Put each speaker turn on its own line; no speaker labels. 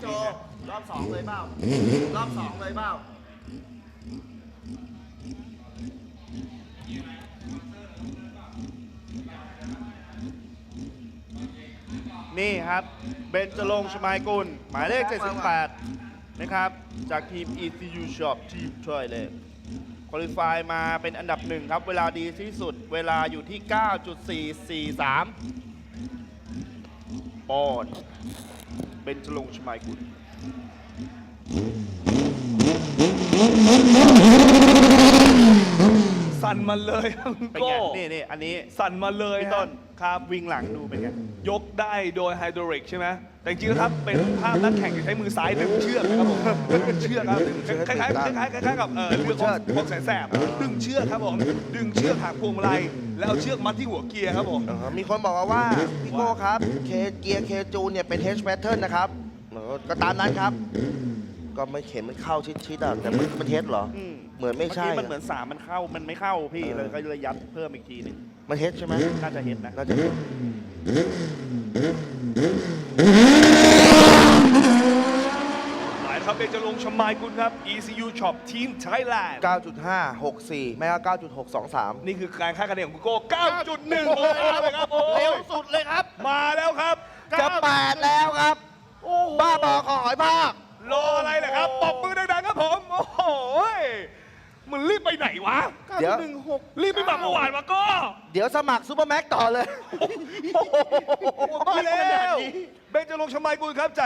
โจรอบ2เลยเปล่ารอบ2เลยเปล่า
นี่ครับเบญจรงค์ ชมายกุลหมายเลข 78 นะครับ จากทีม ECU Shop ทีมช่วยเลยคุริฟายมาเป็นอันดับ 1 ครับ เวลาดีที่สุดเวลาอยู่ที่ 9.443 ปอนด์เบญจรงค์ ชมายกุล
สั่นมาเลยครับ
เป็น
โก้
ไงนี่อันนี้
สั่นมาเลย
พี่
ฮะ
ต้นครับวิ่งหลังดูเป็นไง
ยกได้โดยไฮดรอลิกใช่ไหมแต่จริงๆแล้วครับเป็นภาพนักแข่งที่ใช้มือซ้ายดึงเชือกนะครับผมดึงเชือกครับคล้ายๆกับเรือของแสนแสบดึงเชือกครับผมดึงเชือกหางพวงมาลัยแล้วเอาเชือกมัดที่หัวเกียร์ครับผม
มีคนบอกมาว่าพี่โก้ครับเกียร์เคจูนเนี่ยเป็น H pattern นะครับก็ตามนั้นครับ ก็ไม่เข็นมันเข้าชิดๆอ่ะแต่มันเทสเหรอ เหมือนไม่ใช่
เมื่อกี้มันเหมือน3มันเข้ามันไม่เข้าพี่เลยก็เลยยัดเพิ่มอีกทีหนึง
มันเทสใช่ไหม
น่าจะเห็นนะ
น่าจะเห็น
หมายครับเบญจรงค์ ชมายกุลครับ ECU Shop Team Thailand
9.564 ไม่ก็9.623
นี่คือการคาดคะแนนของคุณโก้ 9.1เลยครับโอ้
เร็วสุดเลยครับ
มาแล้วครับ
จะ8แล้วครับ บ้าบอขอหอยภาค
รออะไรล่ะครับปรบมือดังๆครับผมโอ้โหมันรีบไปไหนวะ
เดี๋ยว
รีบไปแบบเมื่อวานวะก็
เดี๋ยวสมัครซูเปอร์แม็กต่อเลย
มาแล้วเบญจรงค์ ชมายกุลครับ